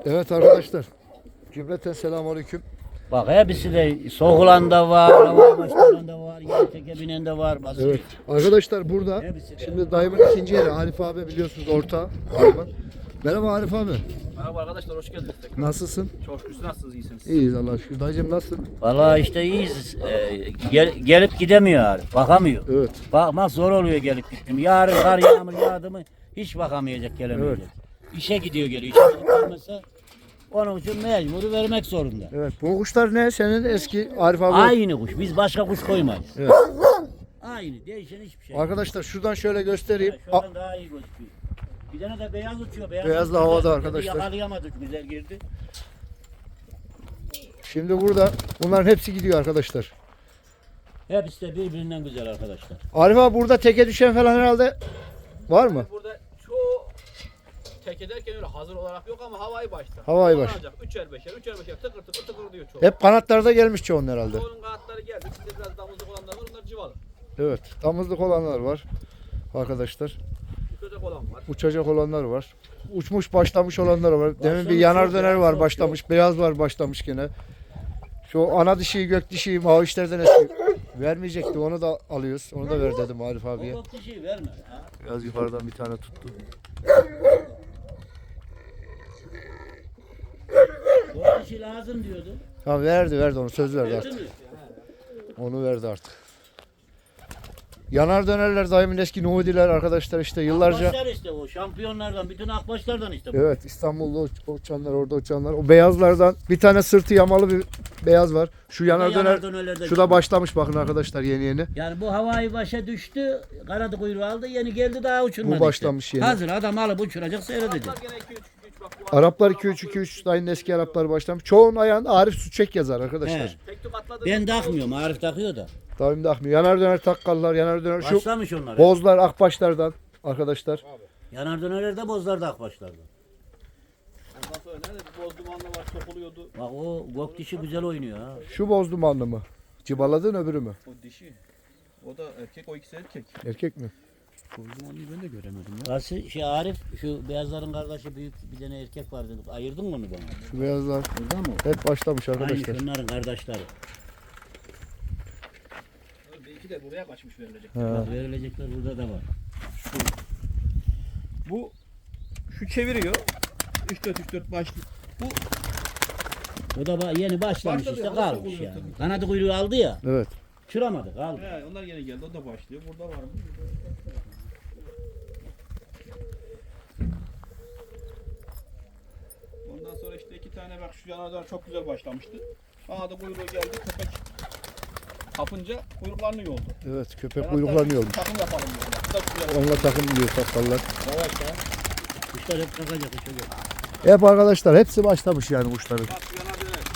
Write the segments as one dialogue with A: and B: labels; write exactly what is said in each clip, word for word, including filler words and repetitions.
A: Evet arkadaşlar. Cümleten selamünaleyküm.
B: Bak hepsi de soğulan da var, hava başlayan da var, yer teke binen de var. Basit.
A: Evet. Arkadaşlar burada
B: Hepsi de.
A: şimdi dayımın ikinci yeri. Arif abi biliyorsunuz orta. Merhaba Arif abi.
C: Merhaba arkadaşlar, hoş geldiniz tekrar.
A: Nasılsın?
C: Çok şükür, siz nasılsınız, iyisiniz?
A: İyiyiz Allah'a şükür. Dayıcım nasılsın?
B: Vallahi işte iyiyiz. Ee, gel- gelip gidemiyor Arif, bakamıyor.
A: Evet.
B: Bakmak zor oluyor gelip gittim. Yarın kar yağmur yağdı mı hiç bakamayacak, gelemeyecek. İşe gidiyor geliyor. İşe gidip gelmezse onun için mecburi vermek zorunda.
A: Evet. Bu kuşlar ne? Senin eski Arif abi.
B: Aynı kuş. Biz başka kuş koymayız.
A: Evet.
B: Aynı. Değişen hiçbir şey.
A: Arkadaşlar şuradan şöyle göstereyim.
B: Evet, şuradan daha iyi gözüküyor. Bir tane de beyaz uçuyor. Beyaz,
A: Beyaz da
B: uçuyor.
A: havada
B: Dedi,
A: arkadaşlar.
B: Yakalayamadık, güzel girdi.
A: Şimdi burada bunların hepsi gidiyor arkadaşlar.
B: Hepsi de birbirinden güzel arkadaşlar.
A: Arif abi burada teke düşen falan herhalde var mı?
C: Burada çoğu tek ederken öyle hazır olarak yok ama havayı başta.
A: Havayı baş.
C: Üçer beşer, üçer beşer tıkır tıkır tıkır diyor çoğu.
A: Hep kanatlarda gelmiş çoğun herhalde.
C: Çoğunun kanatları geldi. Bizde biraz damızlık olanlar var, onlar civalı.
A: Evet. Damızlık olanlar var. Arkadaşlar.
C: Uçacak olan var.
A: Uçacak olanlar var. Uçmuş başlamış olanlar var. Demin bir
B: Başlamış
A: yanar
B: yok
A: döner
B: ya,
A: var
B: çok
A: başlamış. Beyaz var başlamış gene. Şu ana dişiyi gök dişiyi mavişlerden eski. Vermeyecekti onu da alıyoruz. Onu da ver dedim Arif
B: O
A: abiye.
B: bak bir şey verme. Ha?
A: Biraz yukarıdan bir tane tuttu.
B: O bir şey lazım diyordu.
A: Ha verdi verdi onu söz verdi
B: Verdi
A: artık.
B: mi?
A: Onu verdi artık. Yanar dönerler daimin eski Nuhudiler arkadaşlar işte yıllarca.
B: Akbaşlar işte o şampiyonlardan, bütün akbaşlardan işte bu.
A: Evet İstanbul'da uç- uçanlar orada uçanlar. O beyazlardan bir tane sırtı yamalı bir beyaz var. Şu yanar
B: Yanar
A: döner
B: dönerlerde
A: şu da
B: çıkıyor.
A: başlamış bakın arkadaşlar yeni yeni.
B: Yani bu havayı başa düştü, kanadı kuyruğu aldı, yeni geldi daha uçurmadı.
A: Bu başlamış
B: işte.
A: yeni.
B: Hazır adam alıp uçuracak, seyredecek.
C: Bunlar gene iki üç üç bak bu
A: Araplar iki üç iki üç dayının eski Araplar başlamış. Çoğunun ayağında Arif Süçek yazar arkadaşlar.
B: He.
C: tek tük atladı.
B: Ben takmıyorum, Arif takıyor da.
A: Daim de akmıyor. Yanar döner takkallar, yanar döner şu
B: Başlamış onlar.
A: bozlar akbaşlardan arkadaşlar.
B: Yanar dönerlerde bozlarda akbaşlarda.
C: Ondan sonra nerede bir boz dumanlı var, sokuluyordu.
B: Bak o gök dişi güzel oynuyor ha.
A: Şu boz dumanlı mı? Cibaladın öbürü mü?
C: O dişi. O da erkek, o ikisi erkek.
A: Erkek mi?
C: Boz dumanlıyı ben de göremedim ya.
B: Nasıl şey Arif, şu beyazların kardeşi büyük bir tane erkek var dedik. Ayırdın mı onu bana?
A: Şu beyazlar
B: Burada mı?
A: hep başlamış arkadaşlar.
B: Aynı şunların kardeşleri.
C: Belki de buraya kaçmış verilecek.
A: Ha.
B: Bak verilecekler burada da var.
C: Bu şu çeviriyor. üç dört üç dört başlı. Bu
B: O da ba- yeni başlamış
C: Başladı
B: işte
C: ya,
B: kalmış
C: nasıl
B: yani.
C: oluyor?
B: Kanadı kuyruğu aldı ya.
A: Evet.
B: Uçuramadı kaldı.
C: he, onlar yeni geldi. O da başlıyor. Burada var mı? Ondan sonra işte iki tane bak şu yanardan çok güzel başlamıştı. Bana da kuyruğu geldi. Köpek kapınca kuyruklarını yoldu.
A: Evet köpek
C: Ben
A: kuyruklanıyormuş.
C: hatta Takım yapalım diyorum. Bu da güzel.
A: Onunla takım diyor takkallar.
B: Yavaş ya. Kuşlar hep kalkacak uçacak.
A: Hep arkadaşlar hepsi başlamış yani kuşların.
C: Bak şu yanar döner.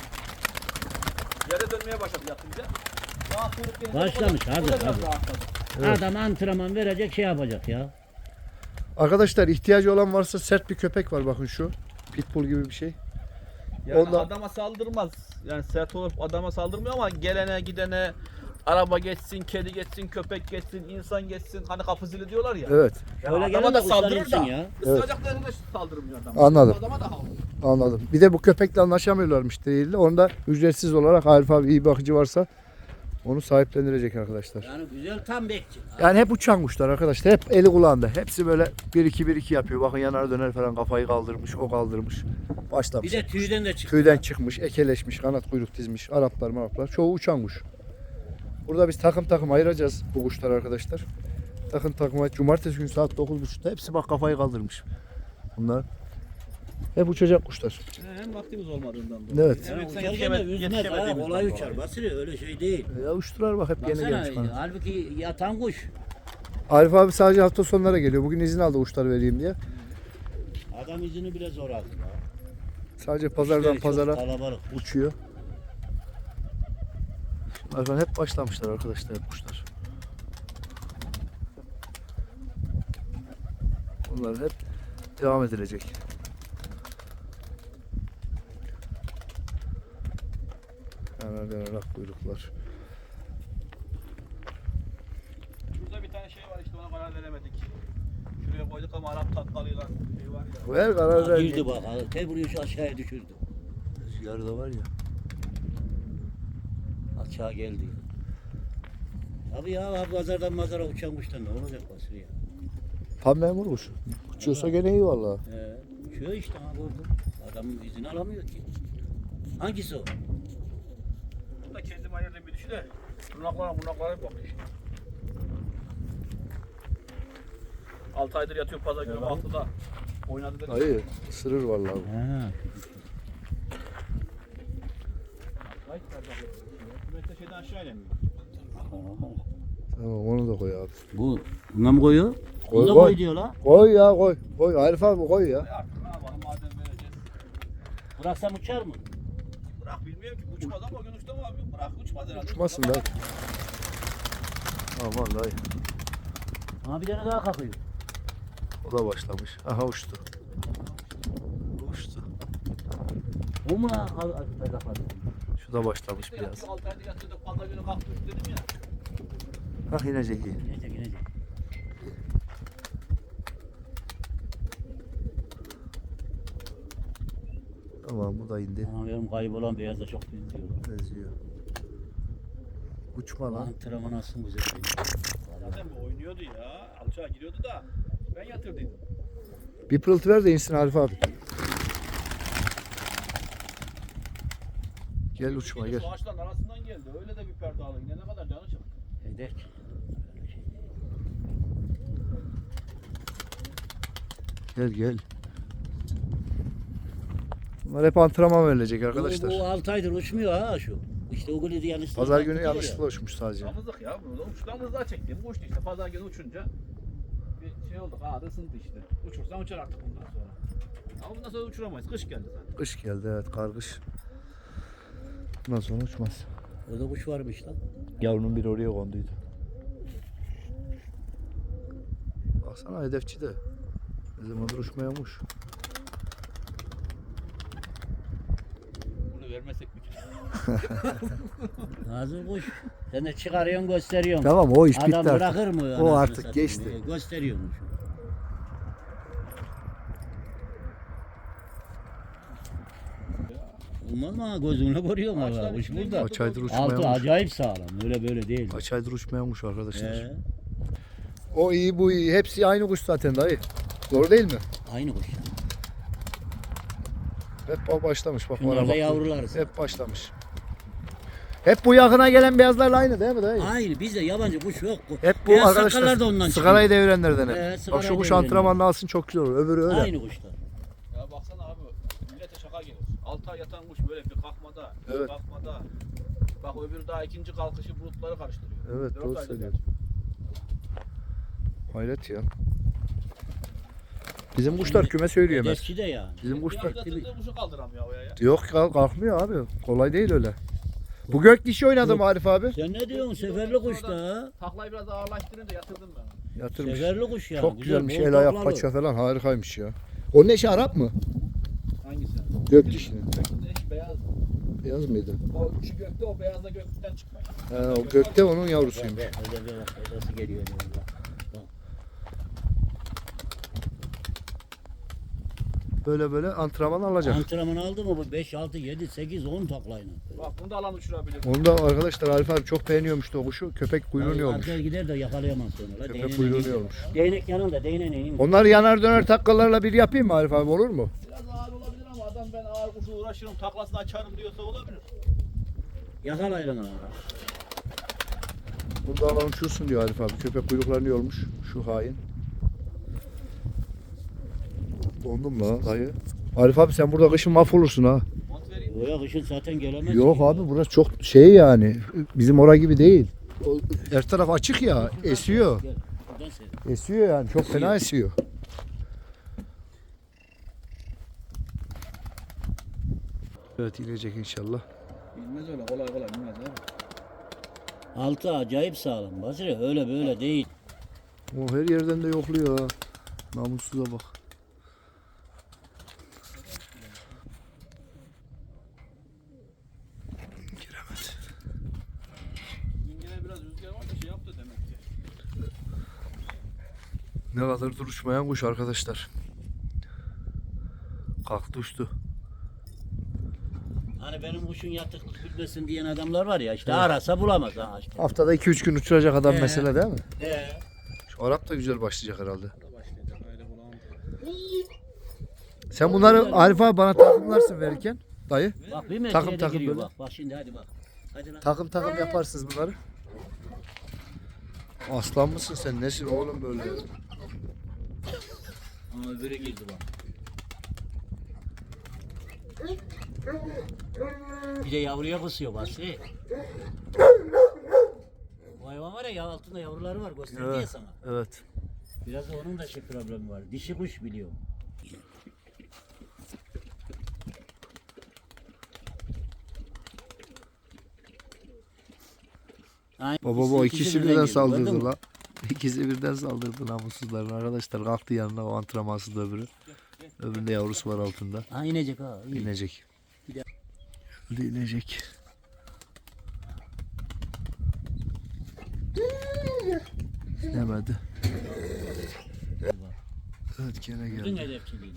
C: Yere dönmeye başladı yatınca. Daha kuyruk gelince
B: Başlamış,
C: o da- o da
B: hadi,
C: biraz
B: hadi.
C: rahatladı.
A: Evet.
B: Adam antrenman verecek şey yapacak ya.
A: Arkadaşlar ihtiyacı olan varsa sert bir köpek var bakın şu. Pitbull gibi bir şey.
C: Yani
A: Ondan-
C: adama saldırmaz. Yani sert olup adama saldırmıyor ama gelene gidene araba geçsin, kedi geçsin, köpek geçsin, insan geçsin. Hani kapı zili diyorlar ya.
A: Evet
C: Yani
B: Öyle
C: adama
B: gelen
C: da
B: de kuşlar
C: saldırır
B: insin
C: da.
B: ya.
C: Isıracaklarına da saldırmıyor adam.
A: Anladım.
C: Adama da havlıyor.
A: anladım. Bir de bu köpekle anlaşamıyorlarmış değil de onda ücretsiz olarak Arif abi iyi bakıcı varsa onu sahiplendirecek arkadaşlar.
B: Yani güzel tam bekçi.
A: Yani hep uçan kuşlar arkadaşlar. Hep eli kulağında. Hepsi böyle bir iki bir iki yapıyor. Bakın yanar döner falan kafayı kaldırmış, o kaldırmış. Başlamış.
B: Bir de tüyden de çıktı.
A: Tüyden çıkmış, ekeleşmiş, kanat kuyruk dizmiş. Araplar maraplar. Çoğu uçan kuş. Burada biz takım takım ayıracağız bu kuşlar arkadaşlar. Takım takıma cumartesi günü saat dokuz buçukta hepsi bak kafayı kaldırmış. Bunlar hep uçacak kuşlar.
C: He, Hem vaktimiz olmadığından dolayı.
A: Evet.
C: Hem
B: Yani
C: sen
B: uçarken de
C: yetişemedi-
B: üzmez ha,
C: yetişemediğimizden
B: kolay
C: dolayı.
B: uçar. Basri öyle şey değil.
A: Ya uçtular bak hep yeni
B: Baksana,
A: gelmiş kanat.
B: halbuki yatan kuş.
A: Arif abi sadece hafta sonlara geliyor. Bugün izin aldı kuşlar vereyim diye.
B: Adam izini bile zor aldı. ya.
A: Sadece pazardan
B: İşleri çok
A: pazara
B: kalabalık.
A: uçuyor. Bakın hep başlamışlar arkadaşlar hep kuşlar. Bunlar hep devam edilecek. Hemen dönerek kuyruklar.
C: Şurada bir tane şey var işte ona karar veremedik. Şuraya koyduk ama Arap takkalıyla şey var
A: Ver karar ver.
B: Girdi bak. Te buraya şu aşağıya düşürdü.
A: Rüzgarı da var ya.
B: Aşağı geldi. Abi ya abi pazardan mazara uçan kuştan ne olacak basır ya?
A: Tam memur kuş. Uçuyorsa gene iyi valla.
B: He, uçuyor işte abi orada. Adamın izini alamıyor ki. Hangisi o?
C: Bu da kendim ayırdığım bir dişi de. Bunaklara bunaklara bak işte. altı aydır yatıyor pazar günü altıda. Oynadı dedi.
A: Hayır, ısırır vallahi.
B: He.
C: Ay, Kümette şeyden aşağı inemiyor.
A: Tamam onu da koy abi.
B: Bu buna mı koyuyor?
A: Koy,
B: Bunu da
A: koy.
B: koy diyor la.
A: Koy ya koy. Koy Arif abi koy ya.
C: E artık ne yapalım madem vereceğiz.
B: Bıraksam uçar mı?
C: Bırak bilmiyorum ki uçmaz ama o gün uçtu mu abi? Bırak uçmaz herhalde.
A: Uçmasın da. Ha vallahi.
B: Ama bir tane daha kalkıyor.
A: O da başlamış. Aha uçtu. Uçtu.
B: O mu la? Al, al, al, al.
A: Şu da başlamış biraz.
C: altı aydır yatıyordu pazar günü kalktı uçtu dedim ya.
A: Hah inecek iyi.
B: İnecek inecek.
A: Tamam bu da indi.
B: Ama benim kaybolan beyazla çok benziyor.
A: Benziyor. Uçma lan.
B: Antrenman nasıl güzel.
C: Zaten bu oynuyordu ya. Alçağa giriyordu da ben yatırdıydım.
A: Bir pırıltı ver de insin Arif abi. Gel uçma
C: Gece
A: gel.
C: Su ağaçların arasından geldi. Öyle de bir perde aldı. Yine ne kadar canı çıktı.
B: Hedef.
A: Gel gel. Bunlar hep antrenman verilecek arkadaşlar.
B: Bu, bu altı aydır uçmuyor ha şu. İşte o golü yanlış.
A: Pazar günü yanlışlıkla uçmuş sadece.
C: Damızlık ya burada. Uçtan daha çektim. Bu uçtu işte. Pazar günü uçunca bir şey oldu. Kanada ısındı işte. Uçursan uçar artık bundan sonra. Ama bundan sonra uçuramayız. Kış geldi zaten.
A: Kış geldi evet kargış. Bundan sonra uçmaz.
B: Orada kuş varmış lan.
A: Yavrunun biri oraya konduydu. Baksana hedefçi de. Ne zamandır uçmayamış.
C: Bunu vermesek mi?
B: Nazım kuş. Sen de çıkarıyorsun gösteriyorsun.
A: Tamam o iş bitti
B: Adam
A: artık.
B: bırakır mı?
A: O
B: anasını
A: artık
B: satayım?
A: geçti.
B: Ee, Gösteriyormuş. Olmaz mı? ha? Gözünle görüyorsun
C: Ağaçlar
B: valla. Kuş
C: içinden
B: burada.
A: Kaç aydır
B: Altı
A: uçmayamış.
B: acayip sağlam. Öyle böyle değil.
A: Kaç aydır uçmayamış arkadaşlar.
B: Ee,
A: O iyi bu iyi. Hepsi aynı kuş zaten dayı. Doğru değil mi?
B: aynı kuş.
A: Hep başlamış bak
B: Bunlar
A: bana
B: da
A: bak.
B: yavrular.
A: Hep başlamış. Hep bu yakına gelen beyazlarla aynı değil mi dayı?
B: Aynı. Bizde yabancı kuş yok.
A: Hep bu
B: Beyaz sakallar
A: arkadaşlar
B: da ondan
A: sigarayı devirenlerden hep.
B: Ee,
A: Bak
B: sigarayı
A: şu kuş
B: devirenler.
A: antrenmanını alsın çok güzel olur. Öbürü öyle.
B: Aynı kuşlar.
C: Ya baksana abi. Millete şaka gelir. altı ay yatan kuş böyle bir kalkmada. Bir
A: Evet.
C: kalkmada. Bak öbürü daha ikinci kalkışı bulutları karıştırıyor.
A: Evet
C: Dört
A: doğru
C: aydır
A: söylüyorsun. Hayret ya. Bizim kuşlar küme söyleyemez.
B: Hedefçi de yani.
A: Bizim
C: Bir
A: kuşlar
C: yatırdığı kuşu kaldıramıyor havaya ya.
A: yok kalk- kalkmıyor abi. Kolay değil öyle. Bu gök dişi oynadı mı Arif abi?
B: Sen ne diyorsun? Seferli kuş da ha.
C: Taklayı biraz ağırlaştırınca yatırdım ben.
A: Yatırmış.
B: Seferli kuş ya.
A: Çok güzelmiş.
B: bol
A: El ayak
B: taklalı.
A: paça falan harikaymış ya. O ne şey Arap mı?
C: Hangisi?
A: Gök dişinin.
C: Gökte eş beyaz.
A: Beyaz mıydı?
C: O şu gökte o beyaz da gökten çıkmıyor.
A: He, o gökte onun yavrusuymuş.
B: Bak, bak, öyle bir bak, nasıl geliyor diyorum bak. Bak.
A: Böyle böyle antrenman alacak.
B: Antrenman aldı mı bu beş, altı, yedi, sekiz, on taklayla.
C: Bak bunu da alan uçurabilir.
A: Onu da arkadaşlar Arif abi çok beğeniyormuş da o kuşu. Köpek kuyruğunu yormuş.
B: Arkaya gider de yakalayamaz sonra. La,
A: Köpek
B: değneğine
A: kuyruğunu
B: indir.
A: yormuş.
B: Değnek yanında, değneğine indir.
A: Onlar yanar döner takkalarla bir yapayım mı Arif abi olur mu?
C: Biraz ağır olabilir ama adam ben ağır kuşu uğraşırım taklasını açarım diyorsa olabilir.
B: Yakalayın onu.
A: Burada alan uçursun diyor Arif abi. Köpek kuyruklarını yormuş. Şu hain. Dondum la dayı. Arif abi sen burada kışın mahvolursun ha.
C: Mont vereyim.
B: Oraya kışın zaten gelemez.
A: Yok
B: ki.
A: abi burası çok şey yani. Bizim ora gibi değil. O, her taraf açık ya. Esiyor.
B: Gel, buradan seyret.
A: Esiyor yani. Çok fena esiyor. Evet inecek inşallah.
C: Bilmez öyle kolay kolay bilmez abi.
B: Altı acayip sağlam. Basri öyle böyle değil.
A: O her yerden de yokluyor ha. Namussuza bak. Giremedi.
C: Bugün gene biraz rüzgar var da şey yaptı demek ki.
A: Ne kadar duruşmayan kuş arkadaşlar. Kalktı uçtu.
B: Hani benim kuşun yatıklık bilmesin diyen adamlar var ya işte arasa bulamaz ha işte.
A: Haftada iki üç gün uçuracak adam
B: He.
A: mesele değil mi?
B: He.
A: Şu Arap da güzel başlayacak herhalde.
C: Başlayacak öyle bulalım.
A: Sen bunları Arif abi bana takımlarsın verirken dayı.
B: Bak bir metreye
A: Takım
B: de
A: takım
B: giriyor
A: böyle.
B: bak. Bak şimdi hadi bak. Hadi lan.
A: Takım takım yaparsınız bunları. Aslan mısın sen? Nesin oğlum böyle?
B: Ama öbürü girdi bak. Bir de yavruya kısıyor Basri. Bu hayvan var ya ya altında yavruları var gösterdi ya
A: Evet.
B: sana.
A: Evet.
B: Biraz da onun da şey problemi var. Dişi kuş biliyor. Aynen,
A: Baba bu ikisi birden
B: girdi,
A: saldırdı
B: gördün mü?
A: la. İkisi birden saldırdı namussuzların arkadaşlar. Kalktı yanına o antrenmansız da öbürü. Öbüründe yavrusu var altında.
B: Ha inecek ha. iyi.
A: İnecek.
B: Bir de-
A: Geldi inecek. İnemedi. Evet gene
B: Bütün
A: geldi.
B: hedefçiliği.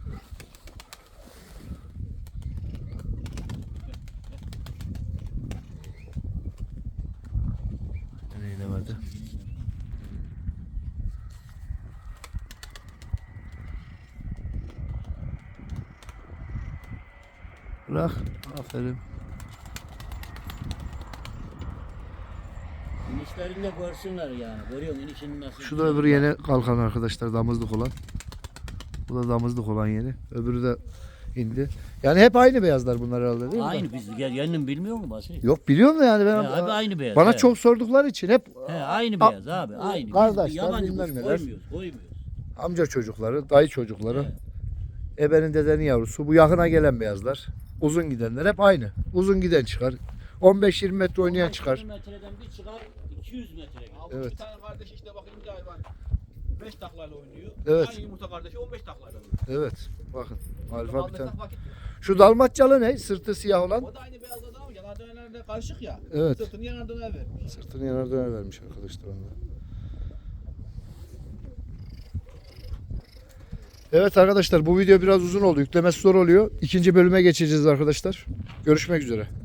A: Gene inemedi. Bırak. Aferin.
B: İnişlerini de görsünler yani. Görüyor musun inişini nasıl?
A: Şu da öbürü yeni kalkan arkadaşlar damızlık olan. Bu da damızlık olan yeni. Öbürü de indi. Yani hep aynı beyazlar bunlar herhalde değil mi?
B: Aynı biz gel yeninin bilmiyor mu Basri?
A: Yok biliyorum da yani ben
B: He, abi aynı beyaz.
A: bana
B: he.
A: çok sordukları için hep
B: He, aynı
A: A-
B: beyaz abi. Aynı. Biz
A: kardeşler,
B: yabancı
A: bilmem
B: kuş
A: neler.
B: koymuyoruz. Koymuyoruz.
A: amca çocukları, dayı çocukları,
B: He.
A: ebenin dedenin yavrusu. Bu yakına gelen beyazlar. Uzun gidenler hep aynı. Uzun giden çıkar. on beş yirmi metre oynayan çıkar.
B: yirmi metreden bir çıkar iki yüz metre gider.
C: Abi
A: Evet.
C: bir tane kardeş işte bakayım bir hayvan. beş taklayla oynuyor.
A: Evet.
C: Aynı yumurta kardeşi on beş taklayla oynuyor.
A: Evet. Bakın. Alfa bir
C: Almasak
A: tane.
C: vakit yok.
A: Şu dalmatçalı ne? Sırtı siyah olan.
C: O da aynı beyaz adam ama yanar dönerlerle karışık ya.
A: Evet.
C: Sırtını yanar döner vermiş.
A: Sırtını yanar döner vermiş arkadaşlar ona. Evet arkadaşlar bu video biraz uzun oldu. Yüklemesi zor oluyor. İkinci bölüme geçeceğiz arkadaşlar. Görüşmek üzere.